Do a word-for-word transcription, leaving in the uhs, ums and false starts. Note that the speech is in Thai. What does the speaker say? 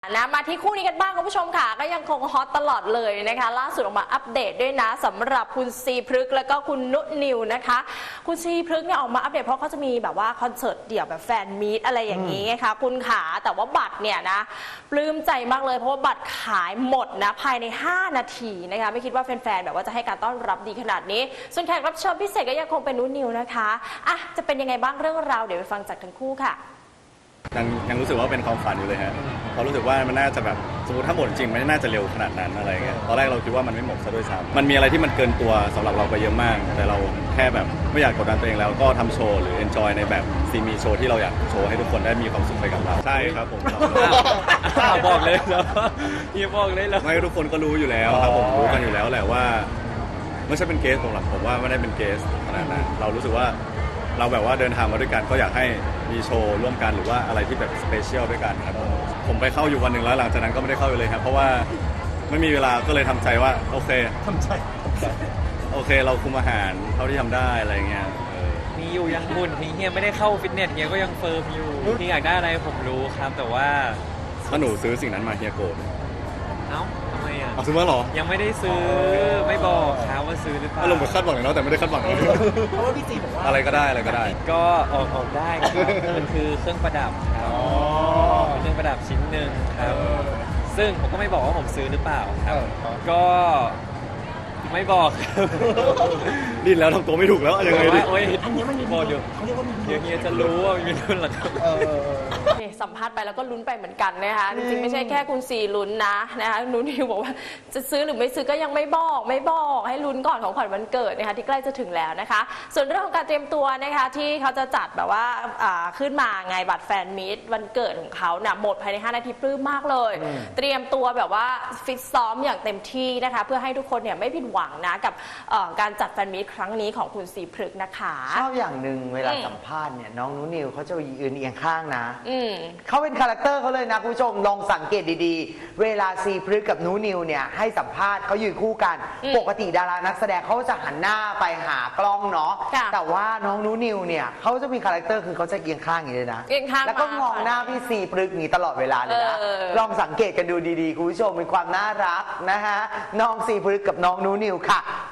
นะมาที่คู่นี้กันบ้างคุณผู้ชมค่ะก็ยังคงฮอตตลอดเลยนะคะล่าสุดออกมาอัปเดตด้วยนะสำหรับคุณซีพฤกษ์แล้วก็คุณนุนิวนะคะคุณซีพฤกษ์เนี่ยออกมาอัปเดตเพราะเขาจะมีแบบว่าคอนเสิร์ตเดี่ยวแบบแฟนมีตอะไรอย่างนี้ไงคะคุณขาแต่ว่าบัตรเนี่ยนะปลื้มใจมากเลยเพราะว่าบัตรขายหมดนะภายในห้านาทีนะคะไม่คิดว่าแฟนๆแบบว่าจะให้การต้อนรับดีขนาดนี้ส่วนแขกรับเชิญพิเศษก็ยังคงเป็นนุนิวนะคะอ่ะจะเป็นยังไงบ้างเรื่องราวเดี๋ยวไปฟังจากทั้งคู่ค่ะยังยังรู้สึกว่าเป็นความฝันอยู่เลยฮะเพราะรู้สึกว่ามันน่าจะแบบสมมติถ้าหมดจริงมันน่าจะเร็วขนาดนั้นอะไรเงี้ยตอนแรกเราคิดว่ามันไม่หมดซะด้วยซ้ำมันมีอะไรที่มันเกินตัวสำหรับเราไปเยอะมากแต่เราแค่แบบไม่อยากกดดันตัวเองแล้วก็ทำโชว์หรือ enjoy ในแบบซีมีโชว์ที่เราอยากโชว์ให้ทุกคนได้มีความสุขไปกับเราใช่ครับผมบอกเลยเหรอพี่บอกเลยเหรอไม่ทุกคนก็รู้อยู่แล้วครับผมรู้กันอยู่แล้วแหละว่าไม่ใช่เป็นเกสผมหรอกผมว่าไม่ได้เป็นเกสขนาดนั้นเรารู้สึกว่าเราแบบว่าเดินทางมาด้วยกันก็อยากให้มีโชว์ร่วมกันหรือว่าอะไรที่แบบสเปเชียลด้วยกันครับผมผมไปเข้าอยู่วันหนึ่งแล้วหลังจากนั้นก็ไม่ได้เข้าอยู่เลยครับเพราะว่าไม่มีเวลาก็เลยทำใจว่าโอเคทำใจโอเคเราคุมอาหารเท่าที่ทำได้อะไรเงี้ยมีอยู่ยังหุ่นเฮียไม่ได้เข้าฟิตเนสเฮียก็ยังเฟิร์มอยู่เฮียอยากได้อะไรผมรู้ครับแต่ว่าถ้าหนูซื้อสิ่งนั้นมาเฮียโกรธเอ้าทำไมอ่ะเอาซื้อมาหรอยังไม่ได้ซื้อไม่บอกครับว่าซื้อหรือเปล่าลงไปคาดหวังแล้วแต่ไม่ได้คาดหวังเพราะว่าพี่จีบอกว่าอะไรก็ได้อะไรก็ได้ก็ออกออกได้ครับมันคือเครื่องประดับครับเป็นเครื่องประดับชิ้นหนึ่งครับซึ่งผมก็ไม่บอกว่าผมซื้อหรือเปล่าครับก็ไม่บอกดิ้นแล้วทำตัวไม่ถูกแล้วยังไงดิโอ้ยอันนี้มันมีบอกอยู่เขาเรียกว่ามีเฮียเฮียจะรู้ว่ามีรุ่นหรอครับสัมภาษณ์ไปแล้วก็ลุ้นไปเหมือนกันนะคะจริงๆไม่ใช่แค่คุณซีลุ้นนะนะคะนุนิวบอกว่าจะซื้อหรือไม่ซื้อก็ยังไม่บอกไม่บอกให้ลุ้นก่อนของขวัญวันเกิดนะคะที่ใกล้จะถึงแล้วนะคะส่วนเรื่องของการเตรียมตัวนะคะที่เขาจะจัดแบบว่าขึ้นมาไงบัตรแฟนมีตวันเกิดของเขาเนี่ยหมดภายในห้านาทีปลื้มมากเลยเตรียมตัวแบบว่าฟิตซ้อมอย่างเต็มที่นะคะเพื่อให้ทุกคนเนี่ยไม่ผิดหวังนะกับการจัดแฟนมีตครั้งนี้ของคุณซีพฤกษ์นะคะชอบอย่างหนึ่งเวลาสัมภาษณ์เนี่ยน้องนุนิวเขาจะยืนเอียงข้างนะเขาเป็นคาแรคเตอร์เขาเลยนะคุณผู้ชมลองสังเกตดีๆเวลาซีพฤกษ์กับนุนิวเนี่ยให้สัมภาษณ์เขายืนคู่กันปกติดารานักแสดงเขาจะหันหน้าไปหากล้องเนาะแต่ว่าน้องนุนิวเนี่ยเขาจะมีคาแรคเตอร์คือเขาจะเอียงข้างอย่างนี้เลยนะแล้วก็มองหน้าพี่ซีพฤกษ์นี้ตลอดเวลาเลยนะลองสังเกตกันดูดีๆคุณผู้ชมเป็นความน่ารักนะฮะน้องซีพฤกษ์กับน้องนุนิวค่ะ